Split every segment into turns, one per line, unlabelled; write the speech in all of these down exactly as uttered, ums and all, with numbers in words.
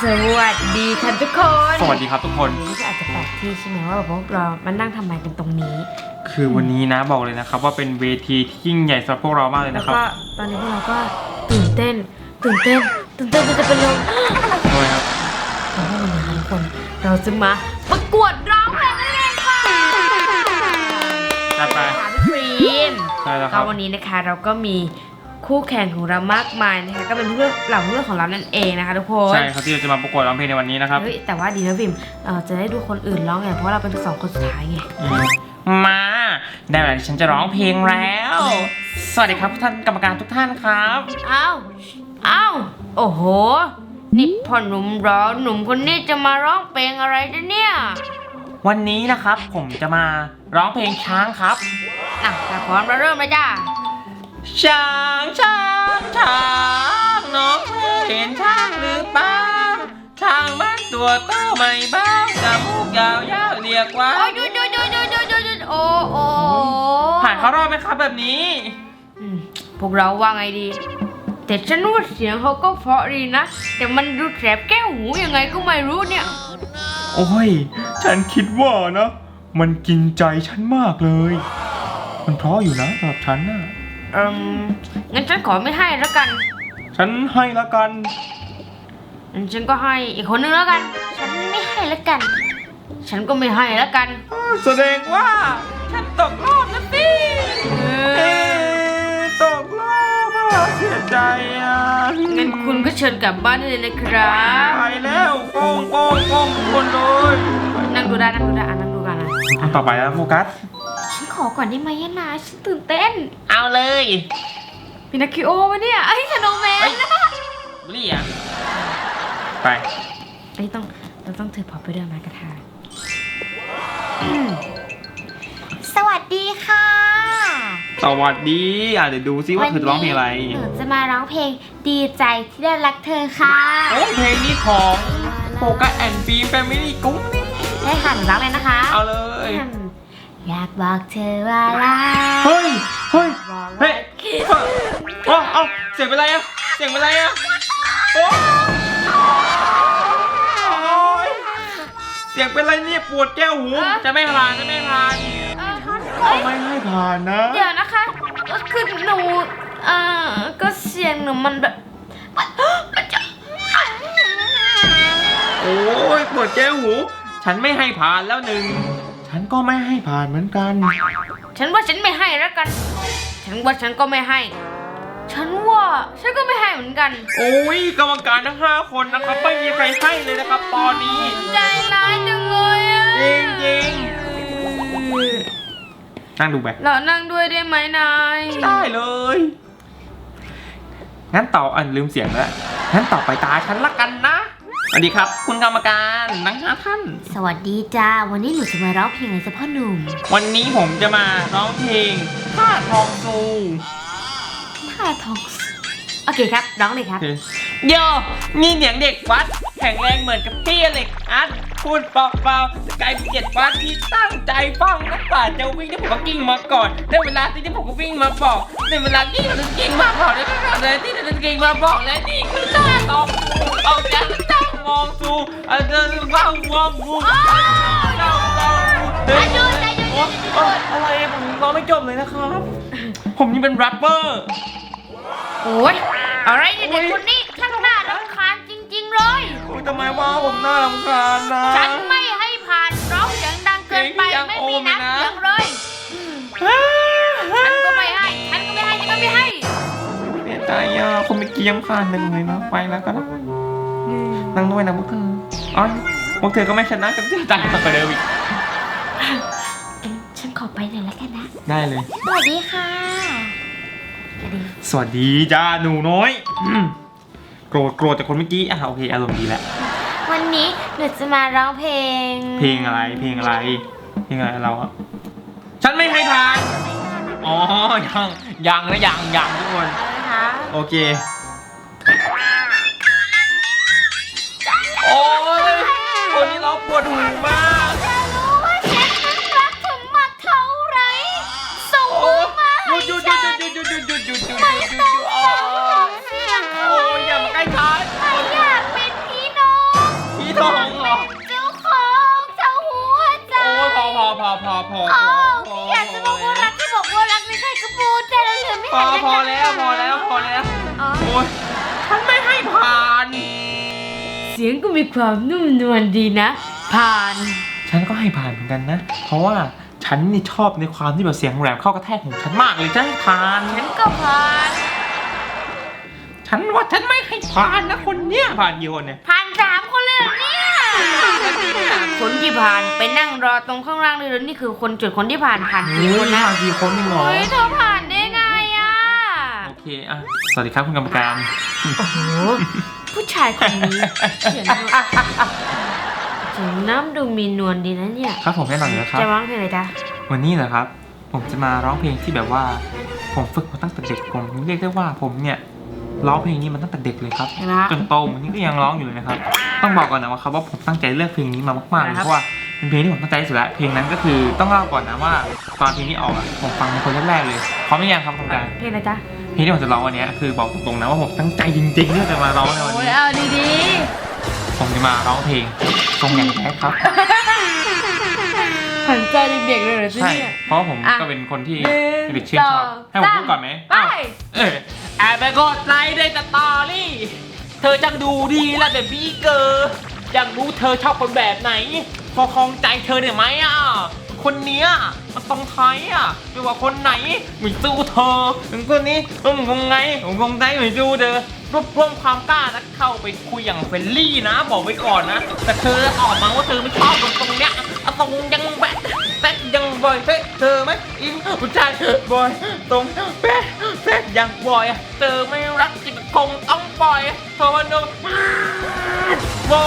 สวัสดีค่ะทุกคน
สวัสดีครับทุกคน
วันนี้ก็อาจจะแปลกที่ใช่ไหมว่าพวกเรามานั่งทำไมกันตรงนี้
คือวันนี้นะบอกเลยนะครับว่าเป็นเวทีที่ยิ่งใหญ่สำหรับพวกเรามากเลยนะครับ
แล้วก็ตอนนี้พวกเราก็ตื่นเต้นตื่นเต้นตื่นเต้นจะเป็นลม
ทำไมครับ
เพราะว่าวันนี้ทุกคนเราจะมาประกวดร้องเพลงนั่นเองค่ะ
จัดไป
พี่ฟรีม
ใช่แล้วครับ
วันนี้นะคะเราก็มีคู่แข่งของเรามากมายนะคะก็เป็นเพื่อนเหล่าเพื่อนของเรานั่นเองนะคะทุกคน
ใช่ครับที่เราจะมาประกวดร้องเพลงในวันนี้นะครับ
เฮ้ยแต่ว่าดีนะฟิล์มเราจะได้ดูคนอื่นร้องไงเพราะเราเป็นสองคนสุดท้ายไง
มาได้เวลาที่ฉันจะร้องเพลงแล้วสวัสดีครับท่านกรรมการทุกท่านครับ
อ้าวอ้าวโอ้โหนี่พ่อหนุ่มร้องหนุ่มคนนี้จะมาร้องเพลงอะไรเนี่ย
วันนี้นะครับผมจะมาร้องเพลงช้างครับ
อ่ะแต่พร้อมเราเริ่มเลยจ้า
ช้างช้างช้างน้องเห็นช้างหรือเปล่าช้างมันตัวโตไม่บ้าจมูกยาวยาวเรียกว่า
โอ้ยดูดูดูดูดูดูดูโอ้โอ้
ผ่านเขารอบไหมครับแบบนี้
พวกเราว่าไงดีแต่ฉันว่าเสียงเขาก็เพราะดีนะแต่มันดูแสบแก้วหูยังไงก็ไม่รู้เนี่ย
โอ้ยฉันคิดว่านะมันกินใจฉันมากเลยมันเพราะอยู่นะสำหรับฉันน่ะ
อืมงั้นฉันขอไม่ให้แล้วกัน
ฉันให้แล้วกัน
ฉันก็ให้อีกคนนึงแล้วกันฉันไม่ให้แล้วกันฉันก็ไม่ให้แล้วกัน
แสดงว่าฉันตกรอบแล้วสิตกรอบเสียใจอ่ะ
งั้นคุณก็เชิญกลับบ้านได้เลยนะครับ
ไปแล้วโป้งโป้งโป้งคนเลย
นั่งดูได้นั่งดูได้อ่ะนั่งดูกันนะ
ต่อไปแล้วโฟกัส
ฉันขอก่อนได้ไหมนะฉันตื่นเต้น
เอาเลย
พินาคิโอวะเนี่ยไอ้ชโนแมน
เรียกไป
ไอ้ต้องเราต้องถือพอไปด้วยไม้กระทาสวัสดีค่ะ
สวัสดีอ่ะเดี๋ยวดูซิว่าเธอจะร้องเพลงอะไร
หนูจะมาร้องเพลงดีใจที่ได้รักเธอค่ะ
โอ้เพลงนี้ของโฟกัสแอนด์ฟิล์มแฟมิลี่กุ้งนี่
ได้ค่ะหนูร้องเลยนะคะ
เอาเลย
อยากบอกเธอว่ารัก
เฮ้ยเฮ้ยเฮ้ยโอ้เอ้าเสียงเป็นไรอะเสียงเป็นไรอะโอ้ยเสียงเป็นไรเนี่ยปวดแก้วหูจะไม่ผ่านจะไม่ผ่านไม่ให้ผ่านนะ
เดี๋ยวนะคะคือหนูเอ่อก็เสียงหนูมันแบบ
โอ้ยปวดแก้วหูฉันไม่ให้ผ่านแล้วหนึ่งฉันก็ไม่ให้ผ่านเหมือนกัน
ฉันว่าฉันไม่ให้แล้วกันฉันว่าฉันก็ไม่ให้ฉันว่าฉันก็ไม่ให้เหมือนกัน
โอ้ยกรรมการทั้งห้าคนนะครับไม่มีใครให้เลยนะครับตอนนี้
ใจร้ายจังเลยอ่ะ
จริงจริงนั่งดูไป
เรานั่งด้วยได้ไหมนาย
ได้เลยงั้นต่ออันลืมเสียงแล้วงั้นต่อไปตาฉันละกันนะสวัสดีครับคุณกรรมการทั้งห้าท่าน
สวัสดีจ้าวันนี้หนูจะมาร้องเพลงอะไรจ้ะพ่อหนุ่ม
วันนี้ผมจะมาร้องเพลงท่าทองซู
ท่าทองโอเคครับร้องเลยครับ
โยนี่เสียงเด็กวัดแข็งแรงเหมือนกับพี่เล็กอัดพูดเบาๆสกายเจ็ดวัดที่ตั้งใจฟังนักป่าจะวิ่งที่ผมก็กิ้งมาก่อนได้เวลาที่ผมก็วิ่งมาบอกได้เวลาที่เราจะกิ้งมาบอกได้เวลาที่เราจะกิ้งมาบอกและนี่คือท่าทองเอาใจตั้งมองซูอาจจะว่างมองกูเจ้าเจ้าเฮ้ยอะไรผมร้องไม่จบเลยนะครับผมนี่เป็นแรปเปอร์
โอ้ยอะไรเนี่ยเด็กคนนี้ช่างน่ารำคาญจริงๆเลย
โอ้ยทำไมว่าผมน่ารำคาญนะ
ฉันไม่ให้ผ่านร้องเสียงดังเกินไปไม่มีน้ำเสียงเลยฉันก็ไม่ให้ฉันก็ไม่ให้ฉันก็ไม่ให้
เนี่ยใจอ่ะคุณไม่เกี่ยมผ่านหนึ่งเลยนะไปแล้วก็แล้วนั่งด้วยนะพวกเธออ๋อพวกเธอก็ไม่ชนะกับที่ต่างกันเดิมอีก
ฉันขอไปหน่อยแล้วกันนะ
ได้เลย
สวัสดีค่ะ
สวัสดีจ้าหนูน้อยโกรธโกรธแต่คนเมื่อกี้อ่ะโอเคอารมณ์ดีแล้ว
วันนี้หนูจะมาร้องเพลง
เพลงอะไรเพลงอะไรเพลงอะไรเราอ่ะฉันไม่ให้ทานอ๋อยังยังนะยังยังทุกคนโอเคโอ้ยคนนี้เราปวดหูมาก
จะรู้ว่าฉันนั้นรักเธอมากเท่าไรส่งมือมาให้ฉันไม่ต้องฟังเสียงใคร
โอ้ยอย่ามาใกล้ฉัน
ไม่อยากเป็นพี่น้อง
พอพอ
โอ้
พอ
พี่อยากจะบอกว่ารักที่บอกว่ารักไม่ใช่กระปูแต่ละเหลือไม่
พอ
เห็น
พอแล้วพอแล้วพอแล้ว
อ๋อ
โอ้ยฉันไม่ให้ผ่าน
เสียงก็มีความนุ่มนวลดีนะ ผ่าน
ฉันก็ให้ผ่านเหมือนกันนะ เพราะว่าฉันนี่ชอบในความที่แบบเสียงแหลมเข้ากระแทกหูฉันมากเลยจะให้ผ่าน
ฉันก็ผ่าน
ฉันว่าฉันไม่ให้ผ่านนะคนเนี้ยผ่านกี่คนเนี่ย
ผ่านสามคนเลยเหรอเนี่ยคนที่ผ่านไปนั่งรอตรงข้างล่างเลยแล้วนี่คือคนจุดคนที่ผ่านผ่านกี่คนนะ
ผ่านกี่คนนี่หรอ
เฮ้ยเธอผ่านได้ไงอ่ะ
โอเคอ่ะสวัสดีครับคุณกรรมการ
โอ้โหผู้ชายคนนี้เขียนดูถึงน้ำดูมีนวลดีนะเนี่ย
ครับผมแน่นอนอยู่แล้วครับ
จะร้องเพลงอะไรจ๊ะ
วันนี้เหรอครับ ผมจะมาร้องเพลงที่แบบว่า ผมฝึกมาตั้งแต่เด็กผมเรียกได้ว่าผมเนี่ยร้องเพลงนี้มาตั้งแต่เด็กเลยครับ
นะ
จนโตวันนี้ก็ยังร้องอยู่เลยนะครับ ต้องบอกก่อนนะว่าครับว่าผมตั้งใจเลือกเพลงนี้มามากๆเลย
ครับ
เพราะว่าเป็นเพลงที่ผมตั้งใจที่สุดแล้วเพลงนั้นก็คือต้องเล่าก่อนนะว่าตอนเพลงนี้ออกอะผมฟังเป็นคนแรกๆเลยพร้อมหรือยังครับคุณการ
เพลงอะไรจ๊ะ
เพลงที่ผมจะร้องวันนี้คือบอกตรงๆนะว่าผมตั้งใจจริงๆที่จะมาร้องในวัน
โอ้ย
นี้
เอาดี
ผมจะมาร้องเพลงทรงอย่างแท้ครับ
ๆหันใจเด็กๆเลยเหรอ
ใช่
เนี่ย
เพราะผม
อ่ะ
ก็เป็นคนที่
หนึ่ง
เด็กชื่นชอบ
สอง
ให้ผมพูดก่อนไหม
ไป
อ้าวเออแอบไปกดไลค์ในสตอรี่เธอจังดูดีและแบบบี้เกอร์อยากรู้เธอชอบคนแบบไหน พอคลองใจเธอเนี่ยไหมอ่ะคนเนี้ยมันตรงไทยอ่ะไม่ว่าคนไหนไม่สู้เธอถึงคนนี้ผมคงไงผมคงใจไม่สู้เธอรวบรวมความกล้าแล้วเข้าไปคุยอย่างเฟรนลี่นะ บอกไว้ก่อนนะ แต่เธอออกมาว่าเธอไม่ชอบตรงตรงเนี้ยตรงยังแบะแบะยังบ่อยเฮ้เธอไหมอินผู้ชายบ่อยตรงแบะแบะยังบ่อยเธอไม่รักจริงคงต้องปล่อยเธอวันนึงบ่อย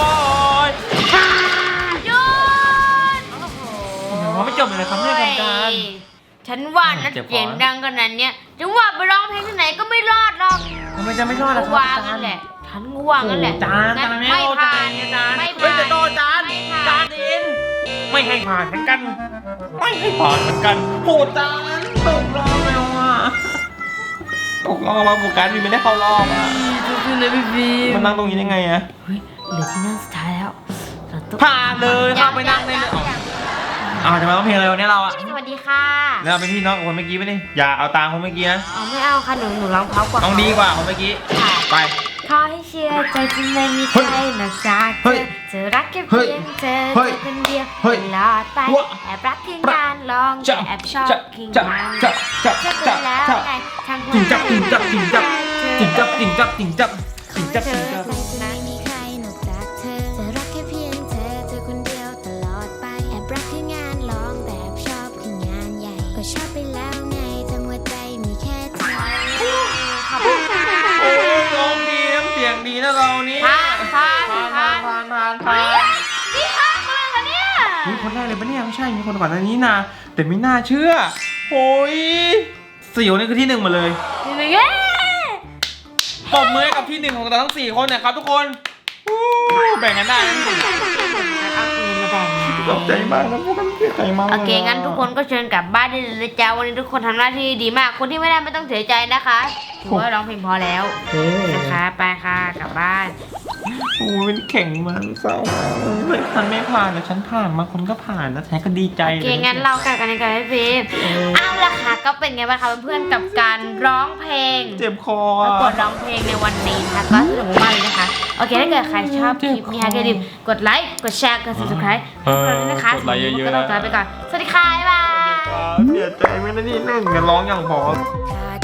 หยุดโอ้โห
ผมไม่จบเลยครับเนี่ยกรรมการ
ฉันว่านะ
เจ็บคอ
เสียงดังขนาดเนี้ยจะว่าไปร้องเพลงที่ไหนก็ไม่รอดหรอก
ทำไมจะไม่รอดล่ะครับ
วางนั่นแหละฉันก็วางนั่นแหละ
จาน
งั้
จานไม่
ไม่
เอา
ผ่า
จาน นจาน
ไม่
เฮ้ย
ผ่าน
จะโดนจาน
ไม่ผ่า
จาน นเองไม่ให้ผ่านเหมือนกัน ไม่ให้ผ่านเหมือนกันโหจานตกรอบแล้วอ่ะตกรอบมาโฟกัสมีไม่ได้เข้ารอบอ่ะ
คือเลยพี่บีม
มันนั่งตรงนี้ได้ไงอ่ะ
เฮ้ยเหลือที่นั่งสุดท้ายแล้วเราต้อง
ผ่านเลยเข้าไปนั่งได้เลย
ยังยัง
อ้าวจะมาร้องเพลงอะไรวันนี้เราอ่ะ
สวัสดีค่ะ
แล้วเราเป็นพี่น้องกับคนเมื่อกี้ไหมนี่อย่าเอาตามคนเมื่อกี้นะ
เอาไม่เอาค่ะหนูหนูร้องเพราะกว่า
ต้องดีกว่าคนเมื่อกี้
ค่ะ
ไป
ขอให้เชื่อใจจะไม่มีใครนอกจากเธ
เฮ้ย
อจะรักแค่
เฮ้
เพี
ย
ยงเธอ
เฮ้ย
เธอคนเดียว
เฮ้ย
ตลอดไป
วะ
แอบรักเพียงการลอง
จะ
แต่แอบชอบ
จะ
เพียง
จะ
มัน
จะจะ
จะ
จะ
เป็นแล้ว
จะ
ไงทางหัว
จิงจับจิงจับจิงจับ
ใจ
จิง
เธ
จั
อบ
จิงจับจิงจับจิงจับ
เธ
จิง
อ
จับ
คงจะ
ไม่มีใครนอกจากเธอจะรักแค่เพียงเธอเธอคนเดียวตลอดไปแอบรักแค่งานร้องแต่แอบชอบแค่งานใหญ่ก็ชอบไปแล้วไงทั้งหัวใจมีแค่เธอ
ขอบคุณค่ะ
โอ้ยร้องดีน้ำเสียงดีนะเรานี่
ผ่านผ่าน
ผ่าน
ผ่า
ผ่าน นผ่านผ่านผ่าน
นี่ค่ะคนเลยค่ะเนี่ย
มีคนแรกเลยปะเนี่ยไม่ใช่มีคนก่อนหน้านี้นะแต่ไม่น่าเชื่อโอ้ยเสี่ยวนี่คือที่หนึ่งมาเลย
นี่เลยเย้
ปรบมือให้กับที่หนึ่งของเราทั้งสี่คนนะครับทุกคนอู้แบ่งกันได้นะ
เอาปืนมาแบ่ง
ตกใจมากนะพวกมันเสียใจมากลย
โอเคงั้นทุกคนก็เชิญกลับบ้านได้เลยนะจ๊ะวันนี้ทุกคนทำหน้าที่ดีมากคนที่ไม่ได้ไม่ต้องเสียใจนะคะถือว่าร้องเพลงพอแล้ว
โอ้
นะคะไปค่ะกลับบ้าน
โหเป็นแข่งมันเศร้าเลยฉันไม่ผ่านแต่ฉันผ่านมาคนก็ผ่านแล้วฉันก็ดีใจ
โอเคงั้นเรากลับกันในการพี่ฟิล์มเอาละค่ะก็เป็นไงบ้างคะเพื่อนๆกับการร้องเพลง
เจ็บคอ
ประกวดร้องเพลงในวันนี้นะคะก็สนุกมากเลยนะคะ โอเคถ้าเกิดใครชอบคลิปนี้ค่ะอย่าลืมกดไลค์ กดแชร์ กด subscribe ให้พวกเราด้วยนะคะ
กดไลค์เยอะๆ
ก็ต้องลาไปก่อน สวัสดีค่ะ บ๊ายบาย
เสียใจไม่ได้ที่หนึ่งจะร้องอย่างพอ
ถ้า